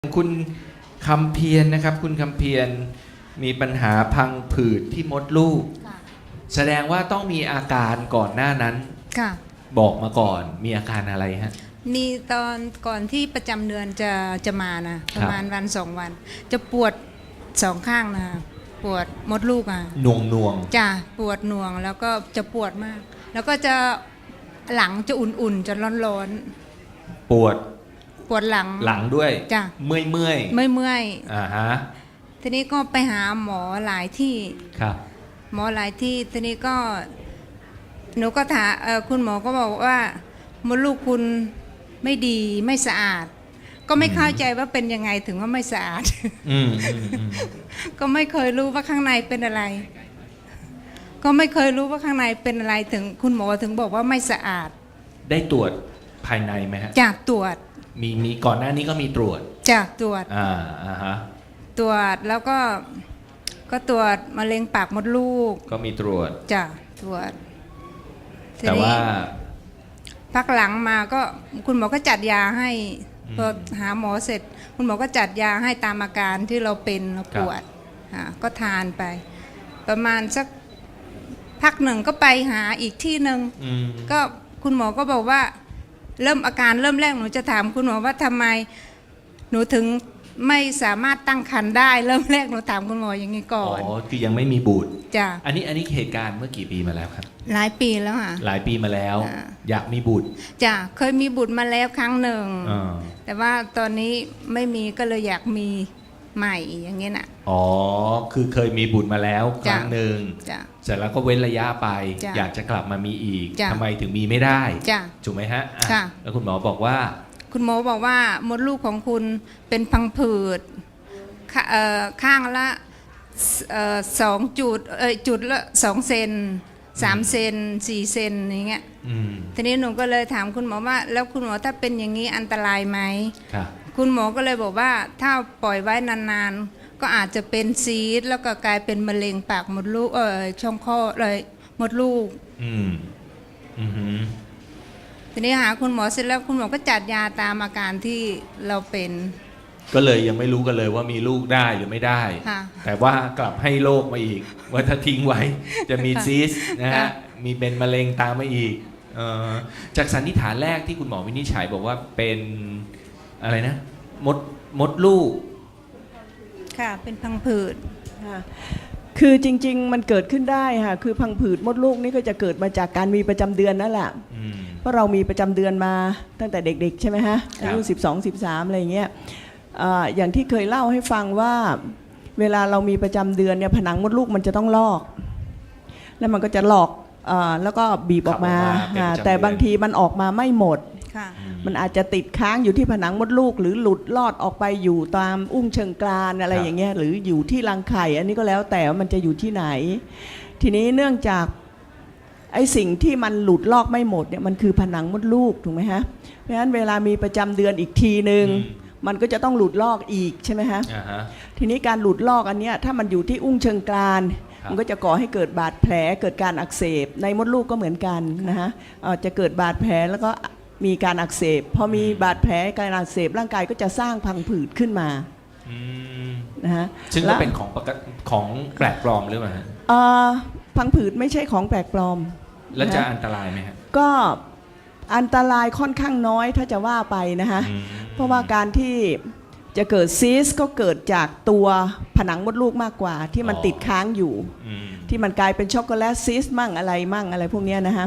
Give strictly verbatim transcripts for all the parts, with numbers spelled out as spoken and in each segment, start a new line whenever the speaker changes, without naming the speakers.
คุณคำเพียรนะครับคุณคำเพียรมีปัญหาพังผืดที่มดลูกแสดงว่าต้องมีอาการก่อนหน้านั้น
ค่ะ
บอกมาก่อนมีอาการอะไรฮะ
มีตอนก่อนที่ประจำเดือนจะจะมานะประมาณวันสองวัน จะปวดสองข้างนะปวดมดลูกอ่ะ
หน่วงหน่วง
จ้ะปวดหน่วงแล้วก็จะปวดมาก แล้วก็จะหลังจะอุ่นๆจะร้อน
ๆปวด
ปวดหลัง
หลังด้วย
จ้ะ
เมื่อยเมื่อย
เมื่อยเมื่อย
อ่าฮะ
ทีนี้ก็ไปหาหมอหลายที่
ครับ
หมอหลายที่ทีนี้ก็หนูก็ถามคุณหมอก็บอกว่ามดลูกคุณไม่ดีไม่สะอาดก็ไม่เข้าใจว่าเป็นยังไงถึงว่าไม่สะอาดก็ไม่เคยรู้ว่าข้างในเป็นอะไรก็ไม่เคยรู้ว่าข้างในเป็นอะไรถึงคุณหมอถึงบอกว่าไม่สะอาด
ได้ตรวจภายในไหมฮะ
จากตรวจ
มีมีก่อนหน้านี้ก็มีตรวจ
จากตรวจ
อ่าอ่าฮะ
ตรวจแล้วก็ก็ตรวจมะเร็งปากมดลูก
ก็มีตรวจ
จ้ะตรวจ
แต่ว่า
พักหลังมาก็คุณหมอก็จัดยาให้พอหาหมอเสร็จคุณหมอก็จัดยาให้ตามอาการที่เราเป็นเราปวดก็ทานไปประมาณสักพักหนึ่งก็ไปหาอีกที่หนึ่งก็คุณหมอก็บอกว่าเริ่มอาการเริ่มแรกหนูจะถามคุณหมอว่าทำไมหนูถึงไม่สามารถตั้งครรภ์ได้เริ่มแรกหนูถามคุณหมออย่างนี้ก่อน
อ๋อคือยังไม่มีบุตร
จ้ะ
อันนี้อันนี้เหตุการณ์เมื่อกี่ปีมาแล้วครับ
หลายปีแล้วค่ะ
หลายปีมาแล้วอยากมีบุตร
จ้ะเคยมีบุตรมาแล้วครั้งหนึ่งแต่ว่าตอนนี้ไม่มีก็เลยอยากมีใหม่อย่างเงี้ยน่ะ
อ๋อคือเคยมีบุตรมาแล้วครั้งหนึ่งเสร็จแล้วก็เว้นระยะไปอยากจะกลับมามีอีกทำไมถึงมีไม่ได้ถูกไหมฮะแล้วคุณหมอบอกว่า
คุณหมอบอกว่ามดลูกของคุณเป็นพังผืดข้างละสองจุดเอ่ยจุดละสองเซนสามเซนสี่เซนอย่างเงี้ยทีนี้หนูก็เลยถามคุณหมอว่าแล้วคุณหมอถ้าเป็นอย่างนี้อันตรายไหมคุณหมอก็เลยบอกว่าถ้าปล่อยไว้นานๆก็อาจจะเป็นซีสต์แล้วก็กลายเป็นมะเร็งปากมดลูกเออช่องคลอดเลยมดลูก
อืมอืม
ทีนี้หาคุณหมอเสร็จแล้วคุณหมอก็จัดยาตามอาการที่เราเป็น
ก็เลยยังไม่รู้กันเลยว่ามีลูกได้หรือไม่ได้แต่ว่ากลับให้โรคมาอีกว่าถ้าทิ้งไว้จะมีซีสต์นะฮะมีเป็นมะเร็งตามมาอีกจากสันนิษฐานแรกที่คุณหมอวินิจฉัยบอกว่าเป็นอะไรนะมดมดลูก
ค่ะเป็นพังผืด
ค่ะคือจริงๆมันเกิดขึ้นได้ค่ะคือพังผืดมดลูกนี่ก็จะเกิดมาจากการมีประจำเดือนนั่นแหละเพราะเรามีประจำเดือนมาตั้งแต่เด็กๆใช่ไหมฮะอายุสิบสอง สิบสามอะไรอย่างเงี้ยอย่างที่เคยเล่าให้ฟังว่าเวลาเรามีประจำเดือนเนี่ยผนังมดลูกมันจะต้องลอกแล้วมันก็จะหลอกแล้วก็บีบออกมาแต่บางทีมันออกมาไม่หมดมันอาจจะติดค้างอยู่ที่ผนังมดลูกหรือหลุดลอดออกไปอยู่ตามอุ้งเชิงกรานอะไรอย่างเงี้ยหรืออยู่ที่รังไข่อันนี้ก็แล้วแต่ว่ามันจะอยู่ที่ไหนทีนี้เนื่องจากไอ้สิ่งที่มันหลุดลอกไม่หมดเนี่ยมันคือผนังมดลูกถูกไหมฮะเพราะฉะนั้นเวลามีประจำเดือนอีกทีนึงมันก็จะต้องหลุดลอกอีกใช่ไหมฮะทีนี้การหลุดลอกอันเนี้ยถ้ามันอยู่ที่อุ้งเชิงกรานมันก็จะก่อให้เกิดบาดแผลเกิดการอักเสบในมดลูกก็เหมือนกันนะฮะจะเกิดบาดแผลแล้วก็มีการอักเสบพอมีบาดแผลการอักเสบร่างกายก็จะสร้างพังผืดขึ้นมานะฮะ
ซึ่งก็เป็นของของแปลกปลอมหรือเปล่าฮะ
พังผืดไม่ใช่ของแปลกปลอม
แล้วจะอันตรายไหมฮะ
ก็อันตรายค่อนข้างน้อยถ้าจะว่าไปนะฮะเพราะว่าการที่จะเกิดซีสก็เกิดจากตัวผนังมดลูกมากกว่าที่มันติดค้างอยู่ที่มันกลายเป็นช็อกโกแลตซีสมั่งอะไรมั่งอะไรพวกนี้นะฮะ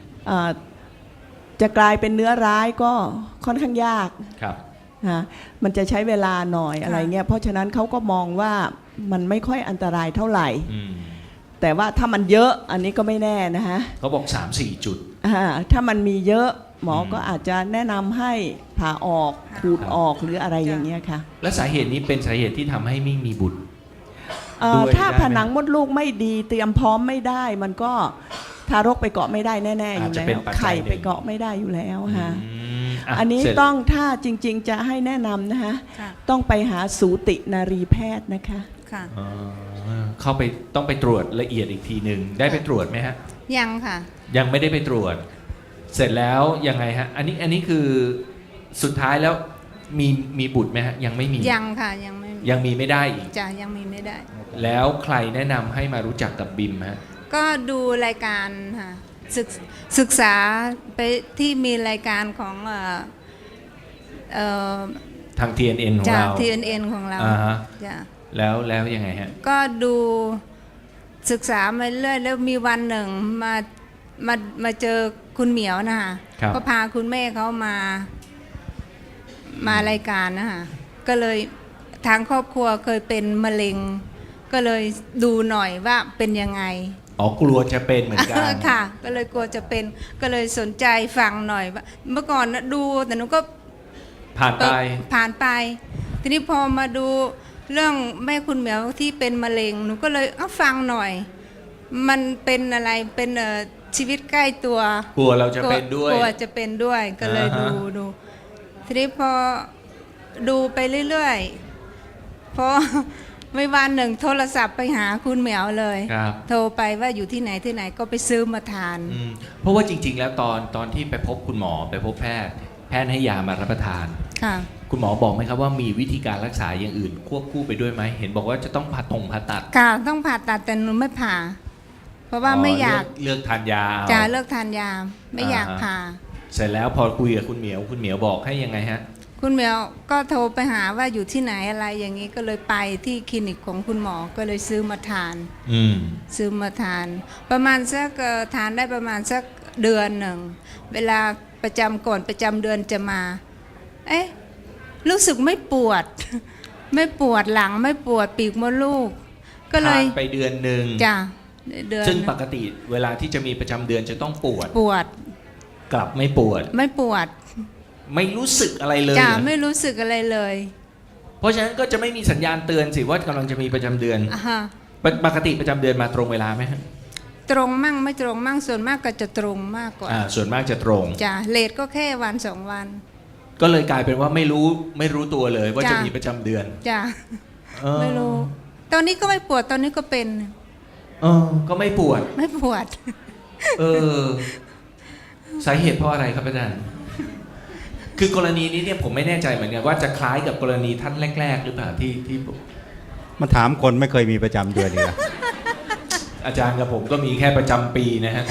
จะกลายเป็นเนื้อร้ายก็ค่อนข้างยาก
ครับ
นะมันจะใช้เวลาหน่อยอะไรเงี้ยเพราะฉะนั้นเขาก็มองว่ามันไม่ค่อยอันตรายเท่าไหร่แต่ว่าถ้ามันเยอะอันนี้ก็ไม่แน่นะฮะ
เขาบอก สามสี่ จุด
ถ้ามันมีเยอะหมอก็อาจจะแนะนำให้ผ่าออกขูดออกหรืออะไรอย่างเงี้ยค่ะ
และสาเหตุนี้เป็นสาเหตุที่ทำให้ไม่มีบุตร
ถ้าผนังมดลูกไม่ดีเตรียมพร้อมไม่ได้มันก็ทารกไปเกาะไม่ได้แน่ๆอยู่แล้วไข่ไปเกาะไม่ได้อยู่แล้วค่ะอันนี้ต้องถ้าจริงๆจะให้แนะนำนะคะต้องไปหาสูตินารีแพทย์นะคะ
เข้าไปต้องไปตรวจละเอียดอีกทีหนึ่งได้ไปตรวจไหมฮะ
ยังค่ะ
ยังไม่ได้ไปตรวจเสร็จแล้วยังไงฮะอันนี้อันนี้คือสุดท้ายแล้วมีมีบุตรไหมฮะยังไม่มี
ยังค่ะยังไม่
ยังมีไม่ได้อีก
จ้ะยังมีไม่ได้
แล้วใครแนะนำให้มารู้จักกับบิมฮะ
ก็ดูรายการค่ะศึกศึกษาไปที่มีรายการของเอ่อเอ่อ
ทาง ที เอ็น เอ็น ของ
จาก
เรา
ที เอ็น เอ็น ของเรา
อ่าฮะ
จ้ะ
แล้วแล้วยังไงฮะ
ก็ดูศึกษามาเรื่อยแล้วมีวันหนึ่งมามามาเจอคุณเหมียวนะคะ
ครับ
ก็พาคุณแม่เขามามารายการนะคะก็เลยทางครอบครัวเคยเป็นมะเร็ง ก็เลยดูหน่อยว่าเป็นยังไง
อ๋อกลัวจะเป็นเหมือนกัน
ค่ะ ก็เลยกลัวจะเป็นก็เลยสนใจฟังหน่อยว่าเมื่อก่อนนะดูแต่หนูก็
ผ่านไป
ผ่านไป ทีนี้พอมาดูเรื่องแม่คุณเหมียวที่เป็นมะเร็งหนูก็เลยเอาฟังหน่อย มันเป็นอะไรเป็นเอ่อชีวิตใกล้ตัว
กลัวเราจะเป็นด้วย
กลัวจะเป็นด้วยก็เลย
อ่า
ดู
ฮะ
ดูทีนี้พอดูไปเรื่อยๆพอ ไม่วันหนึ่งโทรศัพท์ไปหาคุณเหมียวเลย
ครับ
โทรไปว่าอยู่ที่ไหนที่ไหนก็ไปซื้อมาทาน
อืมเพราะว่าจริง ๆ แล้วตอนตอนที่ไปพบคุณหมอไปพบแพทย์ แพทย์ให้ยามารับประทาน
ค่ะ
คุณหมอบอกไหมครับว่ามีวิธีการรักษาอย่างอื่น ควบคู่ไปด้วยไหมเห็นบอกว่าจะต้องผ่าตรงผ่าตัด
ค่ะต้องผ่าตัดแต่หนูไม่ผ่า เพราะว่าไม่อยาก
เลือกเลือกทานยาเอา
จะเลิกทานยาไม่อยาก
อ่าฮะ
ผ่า
เสร็จแล้วพอคุยกับคุณเหมียวคุณเหมียวบอกให้ยังไงฮะ
คุณเหมียวก็โทรไปหาว่าอยู่ที่ไหนอะไรอย่างนี้ก็เลยไปที่คลินิกของคุณหมอก็เลยซื้อมาทาน
อืม
ซื้อมาทาน ประมาณสักเอ่อทานได้ประมาณสักเดือนหนึ่งเวลาประจำก่อนประจำเดือนจะมา เอ๊ะรู้สึกไม่ปวด ไม่ปวดหลังไม่ปวดปีกมดลูก ก็เล
ทาย นไปเดือนหนึ่ง
จ้ะเดือน
ซึ่งปกติเวลาที่จะมีประจำเดือนจะต้องปวด
ปวด
กลับไม่ปวด
ไม่ปวด
ไม่รู้สึกอะไรเลย
จ้ะ
เหรอ
ไม่รู้สึกอะไรเลย
เพราะฉะนั้นก็จะไม่มีสัญญาณเตือนสิว่ากำลังจะมีประจำเดือน
อ่าฮะ
ปกปกติประจำเดือนมาตรงเวลาไหมฮะ
ตรงมั่งไม่ตรงมั่งส่วนมากก็จะตรงมากกว่า
อ่าส่วนมากจะตรง
จ้ะเลทก็แค่วันสองวัน
ก็เลยกลายเป็นว่าไม่รู้ไม่รู้ตัวเลยว่า
จ้ะ
จะมีประจำเดือน
จ้ะ
เออ
ไม่รู้ ตอนนี้ก็ไม่ปวดตอนนี้ก็เป็น
เออก็ไม่ปวด
ไม่ปวด
เออสาเหตุเพราะอะไรครับอาจารย์คือกรณีนี้เนี่ยผมไม่แน่ใจเหมือนกันว่าจะคล้ายกับกรณีท่านแรก ๆ หรือเปล่าที่ที่ผม
มาถามคนไม่เคยมีประจำเดือนนี่ละ
อาจารย์กับผมก็มีแค่ประจำปีนะฮะ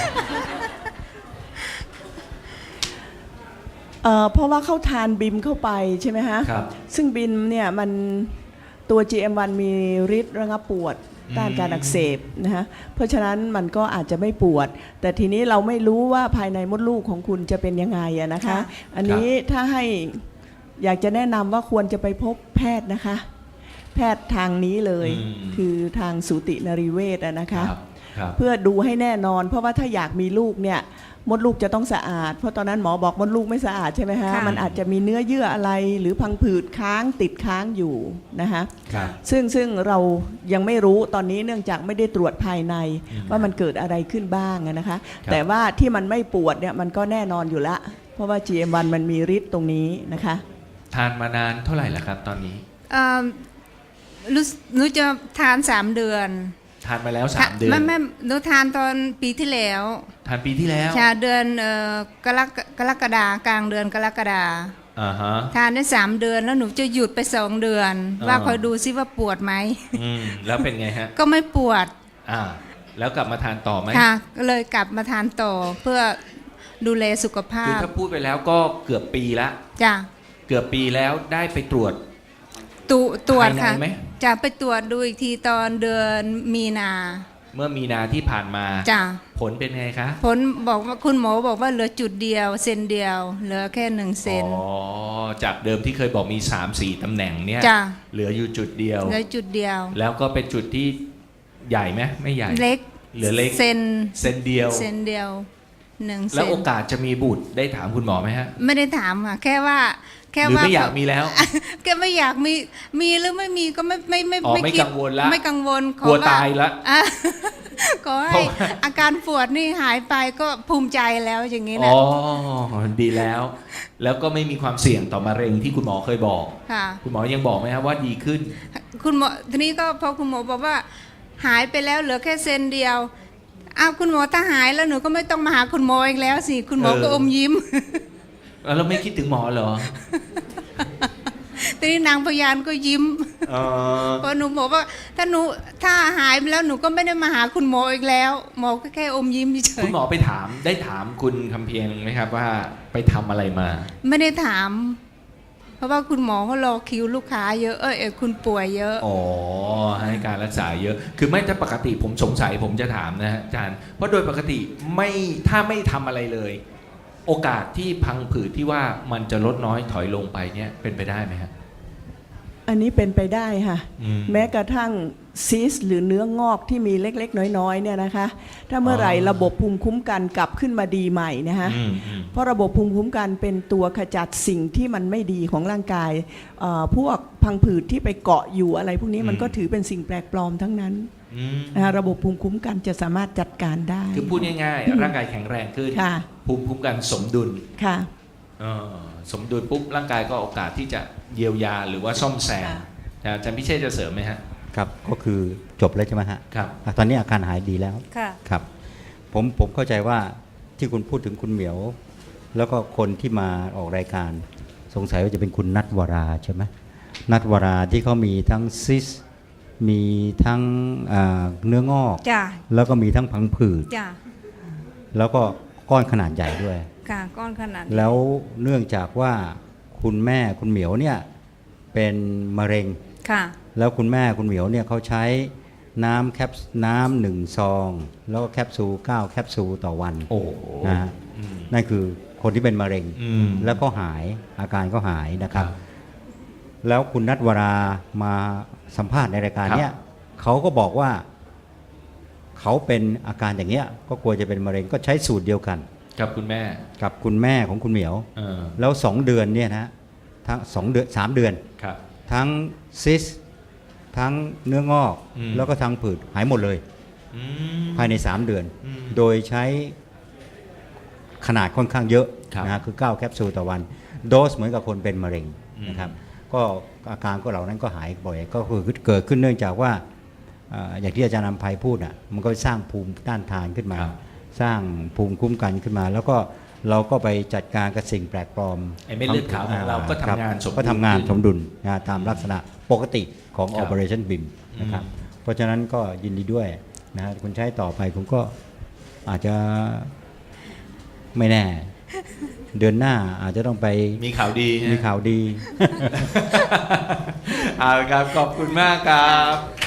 เอ่อเพราะว่าเขาทานบิมเข้าไปใช่ไหมฮะ
ครับ
ซึ่งบิมเนี่ยมันตัว จี เอ็ม วัน มีฤทธิ์ระงับปวดต้านการอักเสบนะฮะเพราะฉะนั้นมันก็อาจจะไม่ปวด แต่ทีนี้เราไม่รู้ว่าภายในมดลูกของคุณจะเป็นยังไงอะนะคะ
ค่ะ
อันนี้ถ้าให้อยากจะแนะนำว่าควรจะไปพบแพทย์นะคะ แพทย์ทางนี้เลย
อืม
คือทางสูตินรีเวชอะนะคะ
ครับครับ
เพื่อดูให้แน่นอน เพราะว่าถ้าอยากมีลูกเนี่ยมดลูกจะต้องสะอาด เพราะตอนนั้นหมอบอกมดลูกไม่สะอาดใช่ไหมฮะ
ค่ะ
มันอาจจะมีเนื้อเยื่ออะไรหรือพังผืดค้างติดค้างอยู่นะคะ
ครับ
ซึ่งซึ่งเรายังไม่รู้ตอนนี้เนื่องจากไม่ได้ตรวจภายใน
อืม
ว่ามันเกิดอะไรขึ้นบ้างอะนะคะ
ครับ
แต่ว่าที่มันไม่ปวดเนี่ยมันก็แน่นอนอยู่ละ เพราะว่า จี เอ็ม วัน มันมีฤทธิ์ตรงนี้นะคะ
ทานมานานเท่าไหร่แล้วครับ ตอนนี้
เอ่อรู้สึกหนูจะทานสามเดือน
ทานมาแล้วสามเดือน
ไม่ไม่หนูทานตอนปีที่แล้ว
ทานปีที่แล้ว
ชาเดือนเอ่อกรกกรกฎากลางเดือนกรกฎา
อ่าฮะ
ทานได้สามเดือนแล้วหนูจะหยุดไปสองเดือน
อ่า
ว่าคอยดูซิว่าปวดไหม
อืมแล้วเป็นไงฮะ
ก็ไม่ปวด
อ่า แล้วกลับมาทานต่อไหม
ค่ะก็เลยกลับมาทานต่อเพื่อดูแลสุขภา
คือ
พ
ถ้าพูดไปแล้วก็เกือบปีละ
จ้ะ
เกือบปีแล้วได้ไปตรวจ
ตุตรวจ
ภายใน
ค่ะ
ไหม
จะไปตรวจดูอีกทีตอนเดือนมีนา
เมื่อมีนาที่ผ่านมา
จ้ะ
ผลเป็นไงคะ
ผลบอกว่าคุณหมอบอกว่าเหลือจุดเดียวเซนเดียว เหลือแค่หนึ่งเซน
อ๋อจากเดิมที่เคยบอกมี สามสี่ ตำแหน่งเนี่ย
จ้ะ
เหลืออยู่จุดเดียว
เหลือจุดเดียว
แล้วก็เป็นจุดที่ใหญ่ไหมไม่ใหญ่
เล็ก
เหลือเล็ก
เซน
เซนเดียว
เซนเดียวหนึ่งเซ
แล้ว
น
โอกาสจะมีบุตรได้ถามคุณหมอไหมฮะ
ไม่ได้ถามค่ะแค่ว่าแค่
หรือ
ว่า
ไม่อยากมีแล้ว
แค่ไม่อยากมีมีหรือไม่มีก็ไม่ไม่ไม่
อ๋อไม่
คิด
กังวลละ
ไม่กังวลข
กลัว
อ
ตายละ
อ่ะ ขอ
เพ
ให้
ราะว่า
อาการปวดนี่หายไปก็ภูมิใจแล้วอย่างนี้
อ๋
นะ
อดีแล้ว แล้วก็ไม่มีความเสี่ยงต่อมะเร็งที่คุณหมอเคยบอก
ค่ะ
คุณหมอยังบอกไหมครับว่าดีขึ้น
คุณหมอทีนี้ก็พอคุณหมอบอกว่า หายไปแล้วเหลือแค่เซนเดียวอ้าวคุณหมอถ้าหายแล้วหนูก็ไม่ต้องมาหาคุณหมออีกแล้วสิคุณหมอก็
เออ
อมยิ้ม
แล้วเราไม่คิดถึงหมอเหรอ
ทีนี้นางพยานก็ยิ้ม
เออ
เพราะหนูบอกว่าถ้าหนูถ้าหายไปแล้วหนูก็ไม่ได้มาหาคุณหมออีกแล้ว หมอก็แค่อมยิ้มเฉ
คุณ
ย
หมอไปถามได้ถามคุณคำเพียงไหมครับว่าไปทำอะไรมา
ๆไม่ได้ถาม เพราะว่าคุณหมอเขารอคิวลูกค้าเยอะเออเออคุณป่วยเยอะ
อ๋อให้การรักษาเยอะ คือไม่ถ้าปกติผมสงสัยผมจะถามนะฮะอาจารย์เพราะโดยปกติไม่ถ้าไม่ทำอะไรเลย โอกาสที่พังผืดที่ว่ามันจะลดน้อยถอยลงไปเนี่ยเป็นไปได้ไหมครับ
อันนี้เป็นไปได้ค่ะ
อืม
แม้กระทั่งซีสหรือเนื้องอกที่มีเล็กๆ น้อยๆเนี่ยนะคะ ถ้าเมื่อไหร่
อ๋อ
ระบบภูมิคุ้มกันกลับขึ้นมาดีใหม่นะคะ
อืมอืม
เพราะระบบภูมิคุ้มกันเป็นตัวขจัดสิ่งที่มันไม่ดีของร่างกายเอ่อพวกพังผืดที่ไปเกาะอยู่อะไรพวกนี้มันก็ถือเป็นสิ่งแปลกปลอมทั้งนั้น
อืม
นะคะระบบภูมิคุ้มกันจะสามารถจัดการได้
คือพูดง่ายๆ ร่างกายแข็งแรงขึ้น
ค่ะ
ภูมิคุ้มกันสมดุล
ค่ะ
เออสมดุลปุ๊บร่างกายก็โอกาสที่จะเยียวยาหรือว่าซ่อมแซม
ค่ะ
นะอาจารย์พิเชษจะเสริมไหมฮะ
ครับก็คือจบแล้วใช่ไหมฮะ
ครับ
อ่ะตอนนี้อาการหายดีแล้ว
ค่ะ
ครับผมผมเข้าใจว่าที่คุณพูดถึงคุณเหมียว แล้วก็คนที่มาออกรายการ สงสัยว่าจะเป็นคุณนัทวราใช่ไหมนัทวราที่เขามีทั้งซิสมีทั้งอ่าเนื้องอก
จ้ะ
แล้วก็มีทั้งพังผืด
จ้ะ
แล้วก็ก้อนขนาดใหญ่ด้วย
ค่ะก้อนขนาดนี้
แล้วเนื่องจากว่าคุณแม่คุณเหมียวเนี่ยเป็นมะเร็ง
ค่ะ
แล้วคุณแม่คุณเหมียวเนี่ยเขาใช้น้ำแคปน้ำหนึ่งซอง แล้วก็แคปซูลเก้าแคปซูลต่อวัน
โอ้โห
นะฮะ
อืม
นั่นคือคนที่เป็นมะเร็ง
อืม
แล้วก็หายอาการก็หายนะครับ
ครับ
แล้วคุณนัทวรามาสัมภาษณ์ในรายการ
ครับ
เนี้ยเขาก็บอกว่าเขาเป็นอาการอย่างเงี้ยก็กลัวจะเป็นมะเร็งก็ใช้สูตรเดียวกัน
กับคุณแม่
กับคุณแม่ของคุณเหมียว
เออ
แล้วสองเดือนเนี่ยนะทั้งสองเดือนสามเดือน
ครับ
ทั้งซิสทั้งเนื้องอก
อืม
แล้วก็ทั้งผืดหายหมดเลย
อืม
ภายในสามเดือน
อืม
โดยใช้ขนาดค่อนข้างเยอะ
ครับ
นะฮะคือเก้าแคปซูลต่อวัน โดสเหมือนกับคนเป็นมะเร็ง
อืม
นะครับก็อาการก็เหล่านั้นก็หายบ่อยก็คือเกิดขึ้นเนื่องจากว่าเอ่ออย่างที่อาจารย์นำภัยพูดอ่ะมันก็สร้างภูมิต้านทานขึ้นมา
ครับ
สร้างภูมิคุ้มกันขึ้นมา แล้วก็เราก็ไปจัดการกับสิ่งแปลกปลอม
ไอ้เม็ดเลือดขาวของเราก็ทำงานสมดุล
ก็ทำงาน
ขึ้น
สมดุลนะตามลักษณะปกติของ
ครับ
Operationบี เอ เอ็ม นะครับ
อืม
เพราะฉะนั้นก็ยินดีด้วยนะฮะคุณใช้ต่อไปคุณก็อาจจะไม่แน่ เดือนหน้าอาจจะต้องไป
มีข่าวดีฮะ
มีข่าวดี
เอาละครับ ขอบคุณมากครับ